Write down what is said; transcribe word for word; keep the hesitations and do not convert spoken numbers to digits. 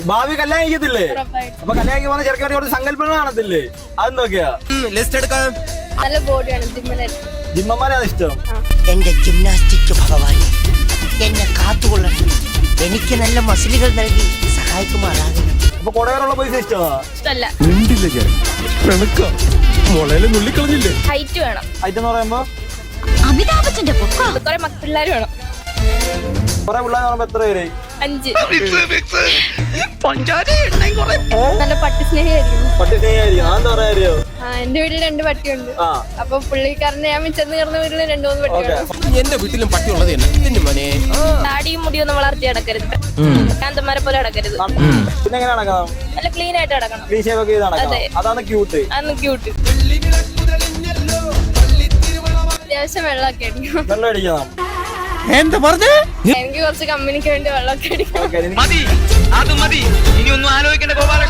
ഭാവി കല്യാണം കഴിക്കത്തില്ലേ? അപ്പൊ കല്യാണം കഴിക്കാൻ പോകുന്ന ചെറുക്കാൻ കുറച്ച് സങ്കല്പങ്ങൾ കാണത്തില്ലേ? അതെന്തൊക്കെയാ? ലിസ്റ്റ് എടുക്കാം. നല്ല ബോഡിയാണ്, ജിമ്മന്മാരാണ് ഇഷ്ടം. എന്റെ ജിംനാസ്റ്റിക് ഭഗവാൻ എന്നെ കാത്തുകൊള്ളണം, എനിക്ക് നല്ല മസിലുകൾ നൽകി സഹായിക്കുമാറാകണം. അപ്പൊ കൊടകരുള്ള പൈസ ഇഷ്ടമാ? ഇഷ്ടല്ല. നുള്ളിക്കളഞ്ഞില്ലേ? ഹൈറ്റ് വേണം. ഹൈറ്റ് എന്ന് പറയുമ്പോ അമിതാഭ് ബച്ചന്റെ പൊക്കം. കുറെ പിള്ളേർ വേണം. കുറെ പിള്ളേർ പറയുമ്പോ എത്ര പേര്? അഞ്ച്. നല്ല പട്ടി സ്നേഹിയായിരിക്കും. പട്ടി സ്നേഹിയായിരിക്കും. അതെന്താ പറയാ? ആ, എന്റെ വീട്ടിൽ രണ്ട് പട്ടിയുണ്ട്. അപ്പൊ പുള്ളിക്കാരനെ ഞാൻ ചെന്ന് കയറുന്ന വീട്ടിൽ രണ്ടു മൂന്ന് പട്ടിയുണ്ട്. എന്റെ വീട്ടിലും പട്ടി ഉള്ളത് തന്നെ മോനെ. താടിയും മുടിയൊന്നും വളർത്തി അടക്കരുത്, കാന്തന്മാരെ പോലെ അടക്കരുത്. പിന്നെ എങ്ങനെ നടക്കണം? നല്ല ക്ലീൻ ആയിട്ട് അടക്കണം. ക്ലീൻ ഷേവ് ഒക്കെ ചെയ്ത് നടക്കണം. അതാണ് ക്യൂട്ട്. അതൊന്ന് ക്യൂട്ട്. അത്യാവശ്യം വെള്ളമൊക്കെ അടിക്കണം. വെള്ളം അടിക്കണം. എന്താ പറഞ്ഞേ? എനിക്ക് കുറച്ച് കമ്പനിക്ക് വേണ്ടി വെള്ളമൊക്കെ അടിക്കണം. മതി, അത് മതി. ഇനി ഒന്നും ആലോചിക്കേണ്ട ഗോപാല.